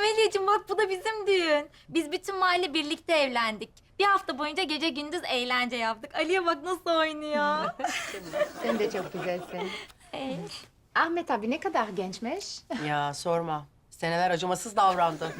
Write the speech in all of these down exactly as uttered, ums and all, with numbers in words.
Amelia'cığım bak bu da bizim düğün. Biz bütün mahalle birlikte evlendik. Bir hafta boyunca gece gündüz eğlence yaptık. Aliye bak nasıl oynuyor. Sen de çok güzelsin. Ee, Ahmet abi ne kadar gençmiş. Ya sorma. Seneler acımasız davrandı.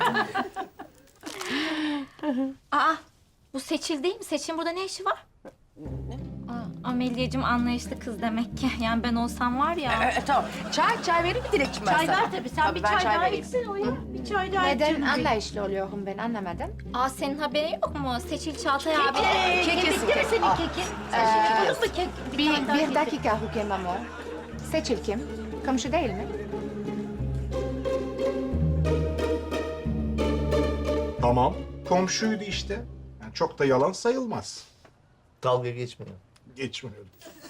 Aa bu Seçil değil mi? Seçil'in burada ne işi var? Aa, Amelia'cığım anlayışlı kız demek ki. Yani ben olsam var ya. E, e, tamam. Çay, çay verir mi Dilekçim ben Çay sana? ver tabii. Sen Tabii, bir ben çay, daha vereyim. içsene o ya. Bir çay daha Neden içelim. anlayışlı oluyorum ben anlamadım. Aa senin haberin yok mu? Seçil Çağatay abi. Ee, Kek kek yesin, bitti mi kek. senin Al. kekin? Sen Ee, şekil aldın mı kek? Bir, tane daha bir kek. dakika Rukiye Mamo. Seçil kim? Komşu değil mi? Tamam, komşuydu işte. Yani çok da yalan sayılmaz. Dalga geçmeyin. Geçmiyorum.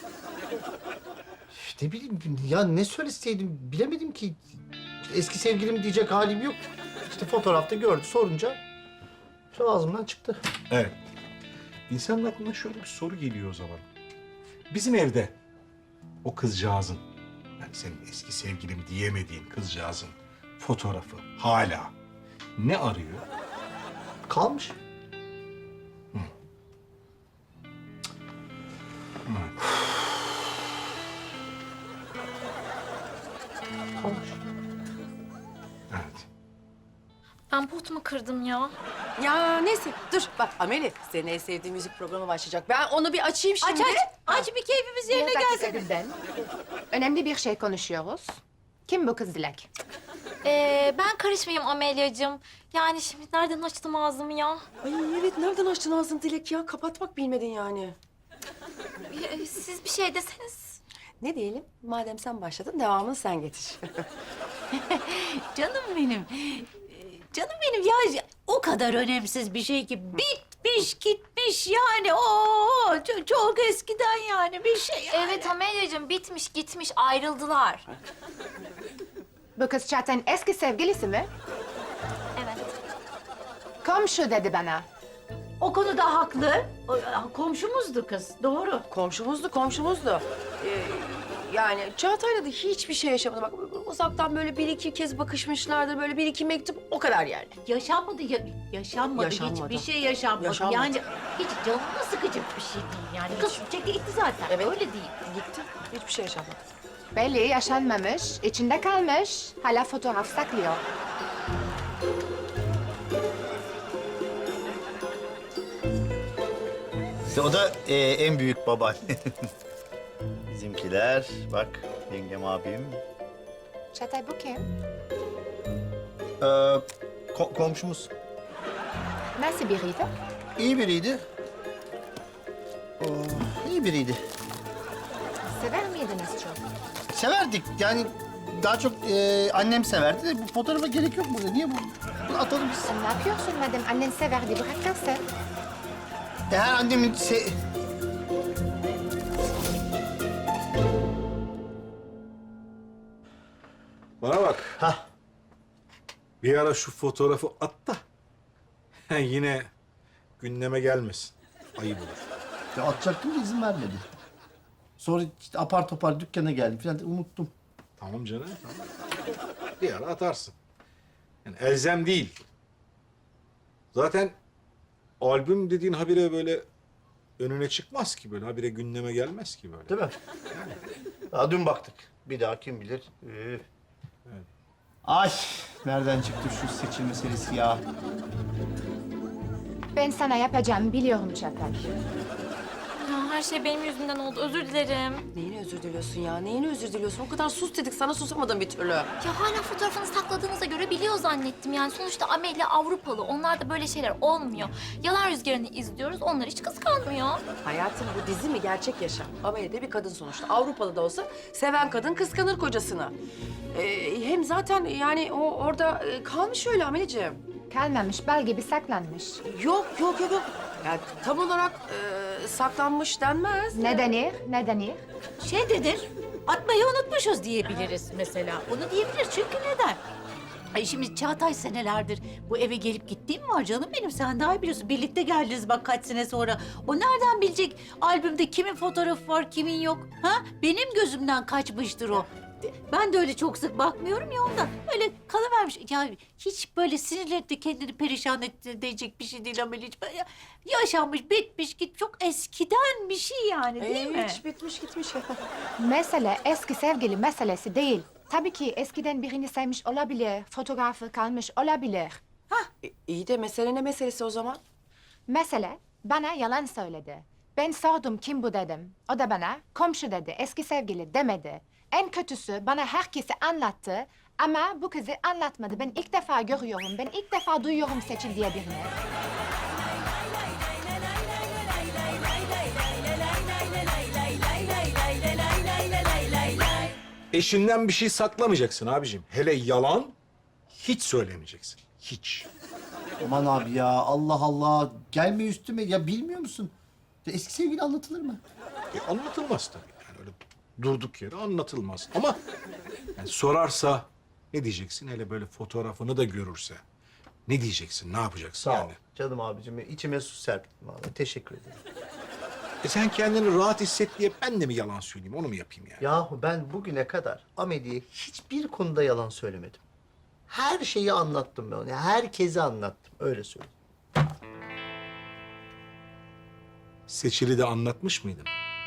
Ne bileyim ya ne söyleseydim bilemedim ki. Eski sevgilim diyecek halim yok. İşte fotoğrafta gördü sorunca şu ağzımdan çıktı. Evet. İnsanın aklına şöyle bir soru geliyor o zaman. Bizim evde o kızcağızın, yani senin eski sevgilim diyemediğin kızcağızın fotoğrafı hala ne arıyor? Kalmış. Kalmış. Evet. Ben potumu kırdım ya. Ya neyse dur bak Ameli senin en sevdiğin müzik programı başlayacak. Ben onu bir açayım Aç şimdi. aç. Aç bir keyfimiz Bir yerine dakika gelsin. Gülden. Önemli bir şey konuşuyoruz. Kim bu kız Dilek? Ee, ben karışmayayım Amelia'cığım. Yani şimdi nereden açtım ağzımı ya? Ay evet nereden açtın ağzını Dilek ya? Kapatmak bilmedin yani. Ee, Siz bir şey deseniz. Ne diyelim? Madem sen başladın devamını sen getir. Canım benim. Ee, Canım benim ya o kadar önemsiz bir şey ki bitmiş gitmiş yani o çok, çok eskiden yani bir şey. Yani. Evet Amelia'cığım bitmiş gitmiş ayrıldılar. Bu kız Çağatay'ın eski sevgilisi mi? Evet. Komşu dedi bana. O konuda haklı. O, komşumuzdu kız doğru. Komşumuzdu, komşumuzdu. Ee, yani Çağatay'la da hiçbir şey yaşamadı. Bak uzaktan böyle bir iki kez bakışmışlardır. Böyle bir iki mektup o kadar yani. Yaşanmadı, ya, yaşanmadı. Yaşanmadı. Hiçbir şey yaşanmadı. Yaşanmadı. Yani hiç canını sıkıcı bir şey değil yani. Kız çekti gitti zaten. Evet. Öyle değil. Gitti. Hiçbir şey yaşanmadı. Belli yaşanmamış, içinde kalmış. Hala fotoğraf saklıyor. İşte o da e, en büyük baban. Bizimkiler bak yengem abim. Çağatay bu kim? Ee, ko- komşumuz Nasıl biriydi? iyi biriydi. Oo, iyi biriydi. Sever miydiniz çok? Severdik yani daha çok e, annem severdi de bu fotoğrafa gerek yok burada. Niye bu? Bunu atalım biz. Sen ne yapıyorsun madem annen severdi bırakırsın? E, her annemin se... Bana bak. Hah. Bir ara şu fotoğrafı at da yine gündeme gelmesin. Ayıp olur. Ya atacaktım da izin vermedi. Sonra işte apar topar dükkana geldim falan unuttum. Tamam canım, tamam. Bir ara atarsın. Yani elzem değil. Zaten albüm dediğin habire böyle önüne çıkmaz ki böyle. Habire gündeme gelmez ki böyle. Değil mi? Daha dün baktık. Bir daha kim bilir. Ee. Ay nereden çıktı şu seçim meselesi ya? Ben sana yapacağımı biliyorum Çağatay. Ya her şey benim yüzümden oldu. Özür dilerim. Neyine özür diliyorsun ya? Neyine özür diliyorsun? O kadar sus dedik sana susamadın bir türlü. Ya hala fotoğrafını sakladığınıza göre biliyor zannettim. Yani sonuçta Amelia Avrupalı. Onlarda böyle şeyler olmuyor. Yalan rüzgarını izliyoruz. Onlar hiç kıskanmıyor. Hayatım bu dizi mi gerçek yaşam? Ameliya'da bir kadın sonuçta. Avrupalı da olsa seven kadın kıskanır kocasını. Ee, hem zaten yani o orada e, kalmış öyle Ameliciğim. Kalmamış, bal gibi saklanmış. Yok yok yok yok. Yani tam olarak e, saklanmış denmez. Ne denir, ne denir? Şey dedir, atmayı unutmuşuz diyebiliriz mesela. Onu diyebilir çünkü neden? Ay şimdi Çağatay senelerdir bu eve gelip gittiği mi var canım benim? Sen daha iyi biliyorsun. Birlikte geldiniz bak kaç sene sonra. O nereden bilecek albümde kimin fotoğrafı var, kimin yok? Ha? Benim gözümden kaçmıştır o. Ben de öyle çok sık bakmıyorum ya ondan. Öyle kalıvermiş. Ya hiç böyle sinirlenip kendini perişan edecek bir şey değil Ameliciğim. Ya, yaşanmış, bitmiş, git çok eskiden bir şey yani değil Ee, mi? hiç bitmiş gitmiş. Mesele eski sevgili meselesi değil. Tabii ki eskiden birini sevmiş olabilir, fotoğrafı kalmış olabilir. E, iyi de mesele ne meselesi o zaman? Mesele bana yalan söyledi. Ben sordum kim bu dedim. O da bana komşu dedi, eski sevgili demedi. En kötüsü bana herkesi anlattı ama bu kızı anlatmadı. Ben ilk defa görüyorum, ben ilk defa duyuyorum Seçil diye birini. Eşinden bir şey saklamayacaksın abicim. Hele yalan hiç söylemeyeceksin. Hiç. Aman abi ya Allah Allah. Gelme üstüme. Ya bilmiyor musun? Ya eski sevgili anlatılır mı? E, anlatılmaz tabii. Yani öyle durduk yere anlatılmaz. Ama yani sorarsa ne diyeceksin? Hele böyle fotoğrafını da görürse. Ne diyeceksin? Ne yapacaksın Sağ ol. yani? Canım abicim. İçime su serptin vallahi. Teşekkür ederim. E sen kendini rahat hisset diye ben de mi yalan söyleyeyim? Onu mu yapayım yani? Yahu ben bugüne kadar Ameli'ye hiçbir konuda yalan söylemedim. Her şeyi anlattım ben ona. Herkese anlattım. Öyle söyleyeyim. Seçil'i de anlatmış mıydın?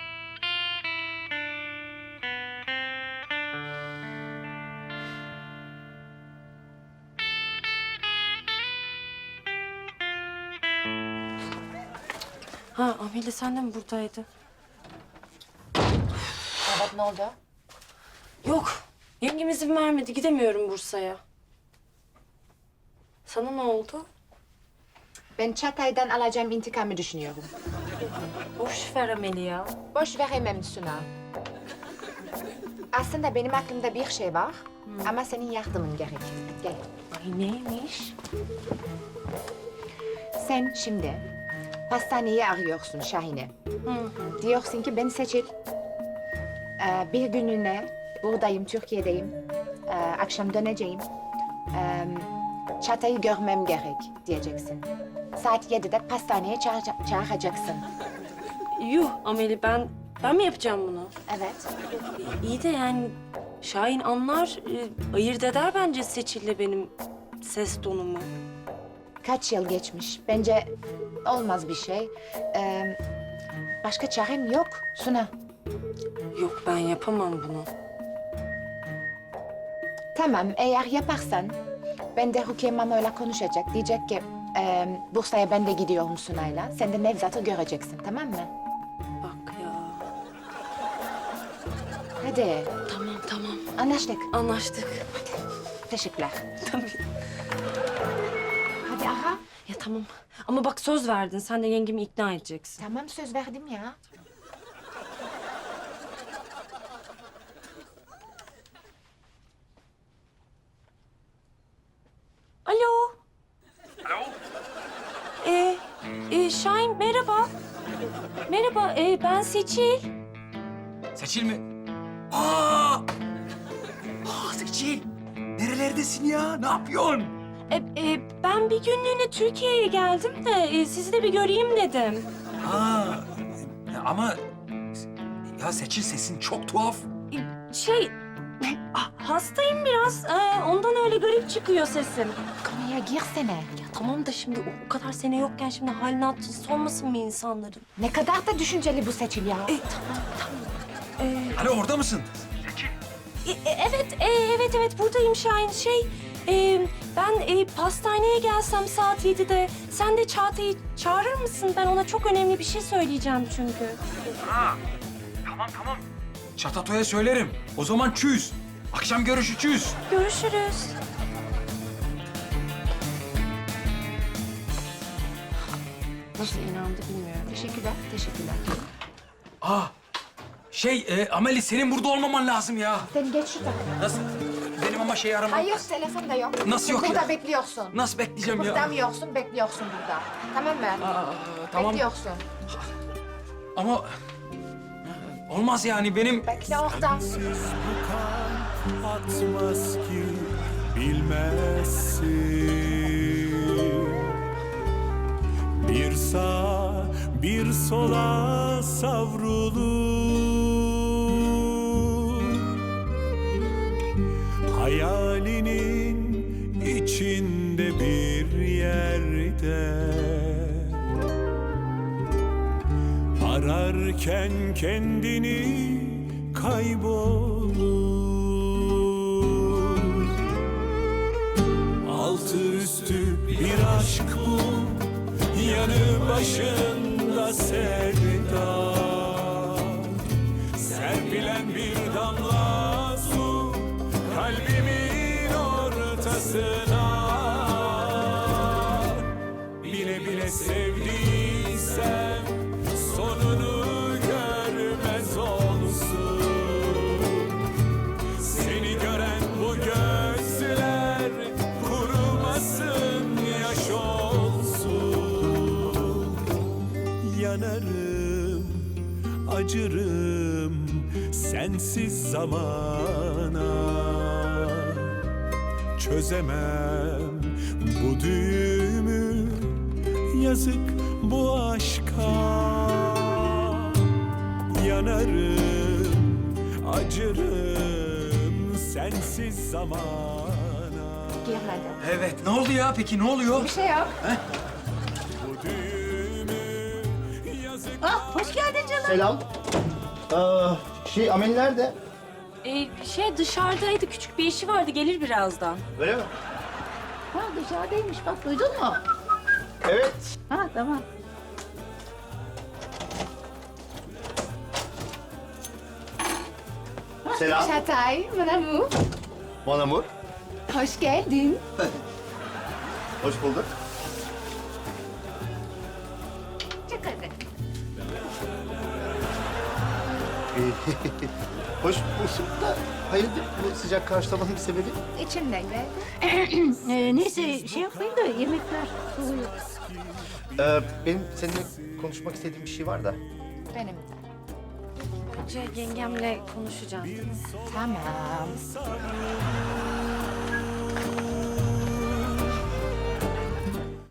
Ha, Ameli sen de mi buradaydın? Evet, ne oldu? Yok, yengem izin vermedi. Gidemiyorum Bursa'ya. Sana ne oldu? Ben Çatay'dan alacağım intikamı düşünüyorum. Boş ver Ameli ya. Boş veremem Suna. Aslında benim aklımda bir şey var ama senin yardımın gerek. Gel. Ay neymiş? Sen şimdi pastaneyi arıyorsun Şahin'e. Diyorsun ki ben Seçil. Ee, bir günlüğüne buradayım, Türkiye'deyim. Ee, akşam döneceğim. Ee, Çatay'ı görmem gerek diyeceksin. Saat yedide pastaneye çağıra- çağıracaksın. Yuh Ameli ben ben mi yapacağım bunu? Evet. İyi de yani Şahin anlar, e, ayırt eder bence Seçil'le benim ses tonumu. Kaç yıl geçmiş. Bence olmaz bir şey. Ee, başka çarem yok Suna. Yok ben yapamam bunu. Tamam, eğer yaparsan ben de Rukiye Mamo'yla konuşacak. Diyecek ki e, Bursa'ya ben de gidiyorum Sunay'la. Sen de Nevzat'ı göreceksin, tamam mı? Bak ya. Hadi, Tamam tamam anlaştık. anlaştık. Teşekkürler. Tabii. Hadi aha. Ya tamam ama bak söz verdin sen de yengemi ikna edeceksin. Tamam, söz verdim ya. Alo. Alo. Ee, e, Şahin merhaba. Merhaba, e, ben Seçil. Seçil mi? Aa! Aa Seçil! Nerelerdesin ya? Ne yapıyorsun? E, e, ben bir günlüğüne Türkiye'ye geldim de e, sizi de bir göreyim dedim. Aa, e, ama ya Seçil sesin çok tuhaf. E, şey, ah, hastayım biraz. E, ondan öyle garip çıkıyor sesim. Konuya girsene. Ya tamam da şimdi o, o kadar sene yokken şimdi halini hatırını sormasın mı insanların? Ne kadar da düşünceli bu Seçil ya. E, tamam, tamam. E, Alo orada mısın? E, e, evet, e, evet, evet buradayım Şahin. Şey, e, ben e, pastaneye gelsem saat yedide sen de Çağatay'ı çağırır mısın? Ben ona çok önemli bir şey söyleyeceğim çünkü. Ha, tamam tamam. Çatato'ya söylerim. O zaman çüz. Akşam görüşeceğiz. Görüşürüz. Nasıl inandı bilmiyorum. Teşekkürler, teşekkürler. Aa, şey e, Ameli senin burada olmaman lazım ya. Sen geç şu tarafa. Nasıl? Benim ama şey aramam. Hayır, telefon da yok. Nasıl Sen yok burada ya? bekliyorsun. Nasıl bekleyeceğim ya? Kıpırdamıyorsun, bekliyorsun burada. Tamam mı? Aa, tamam. Bekliyorsun. Ama olmaz yani benim. Bekle orada. atmaz ki bilmezsin. Bir sağa bir sola savrulur. yerde ararken kendini kaybolur. Altı üstü bir aşk bu, yanı başında sevda. Serpilen bir damla su kalbimin ortasına. Bile bile sevdiysem sonunu görmez olsun. Seni gören bu gözler kurumasın, yaş olsun. Yanarım, acırım sensiz zamana. Çözemem bu düğümü, yazık bu aşka. Yanarım, acırım sensiz zamana. Girmedi. Evet, ne oldu ya peki, ne oluyor? Bir şey yok. Bu düğümü, yazık. Ah, hoş geldin canım. Selam. Aa, şey Amel nerede? Ee, şey dışarıdaydı, küçük bir işi vardı, gelir birazdan. Öyle mi? Ha, dışarıdaymış bak, duydun mu? Evet. Ha, tamam. Selam. Çağatay, mon amour. Mon amour. Hoş geldin. Hoş bulduk. Çık hadi. Hoş bulduk da hayırdır bu sıcak karşılamanın bir sebebi? İçimden geldi. Ee, neyse şey yapmayın da yemekler soğuyor. Ee, benim seninle konuşmak istediğim bir şey var da. Benim de. Önce yengemle konuşacağım. Tamam.